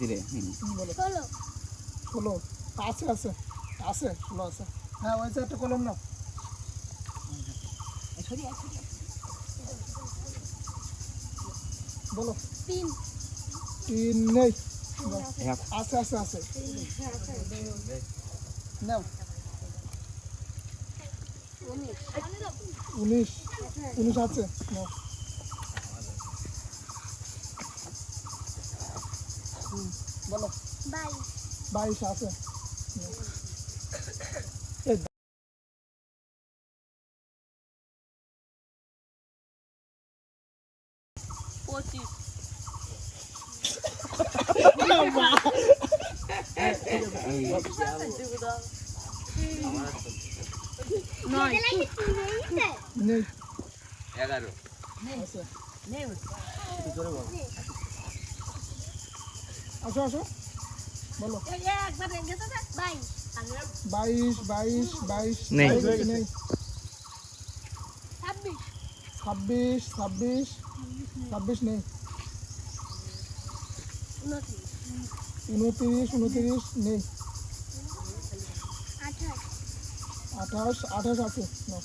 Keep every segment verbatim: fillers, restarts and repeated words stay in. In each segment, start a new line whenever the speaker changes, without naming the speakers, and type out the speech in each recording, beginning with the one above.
রে
বলো
ষোলো
ষোলো আছে আছে আছে ষোলো আছে হ্যাঁ ওই যে একটা কলম নাও বলো
তিন
তিন নেই
এক
আছে আছে আছে নাও উনিশ উনিশ আছে নাও হুম, বলো
বাইশ
বাইশ আছে নাও। এই
পঁচিশ নয়
নেই
এগারো
আছে আসো আসো বলো
বাইশ
বাইশ বাইশ বাইশ
নেই।
বাইশ নেই
ছাব্বিশ
ছাব্বিশ ছাব্বিশ ছাব্বিশ নেই
উনত্রিশ
উনত্রিশ উনত্রিশ নেই
আঠাশ
আঠাশ আঠাশ আছে নাও।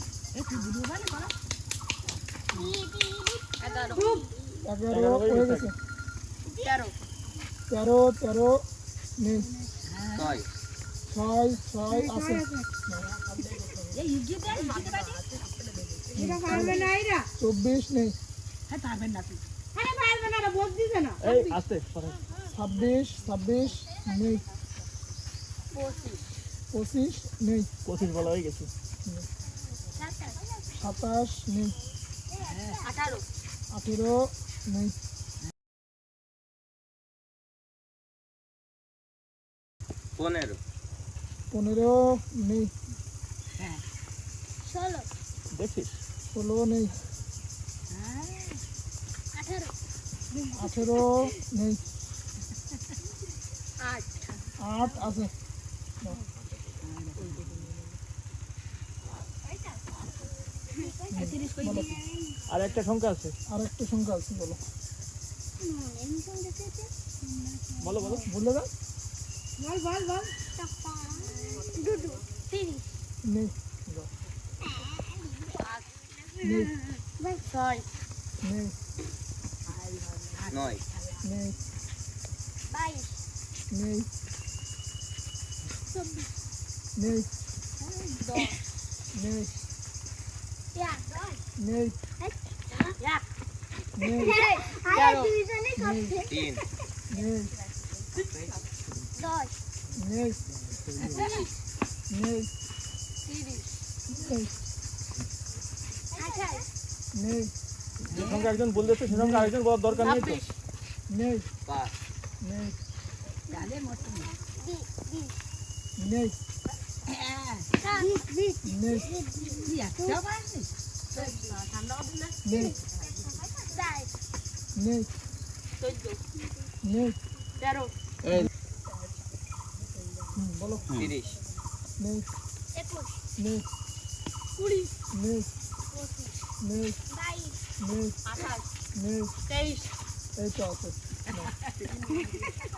এগারো
এগারো হয়ে গেছে
তেরো
তেরো তেরো নেই
ছয়
ছয় ছয় আছে চব্বিশ নেই ছাব্বিশ ছাব্বিশ নেই
পঁচিশ
পঁচিশ নেই
পঁচিশ বলা হয়ে গেছে।
সাতাশ
সাতাশ নেই
আঠারো
আঠেরো নেই
পনেরো
পনেরো নেই
ষোলো
দেখছিস
ষোলো নেই
আঠারো
আঠেরো নেই
আট
আট আছে বলো
আর একটা সংখ্যা আছে,
আর একটা সংখ্যা আছে বলো
বলো বলো
বলে দাও
দুটো তিরিশ
নেই যাও। নেই
ছয়
নেই
নয়
নেই
বাইশ
নেই
চব্বিশ
নেই
দশ
নেই
এক
নেই
এক
নেই
তেরো
তিন
নেই
দশ
নেই নেই
তিরিশ
নেই
আঠাশ
নেই
যে সংখ্যা একজন বলতেছে সে সংখ্যা আরেকজন বলার দরকার নেই তো।
ছাব্বিশ
নেই
পাঁচ
নেই
বিশ বিশ
নেই
বিশ বিশ
নেই নেই
চার
নেই
চোদ্দ
নেই
তেরো
হুম, বলো
তিরিশ
নেই
একুশ
নেই
কুড়ি
নেই
পঁচিশ
নেই
বাইশ
নেই
আঠাশ
নেই
তেইশ
এই তো আছে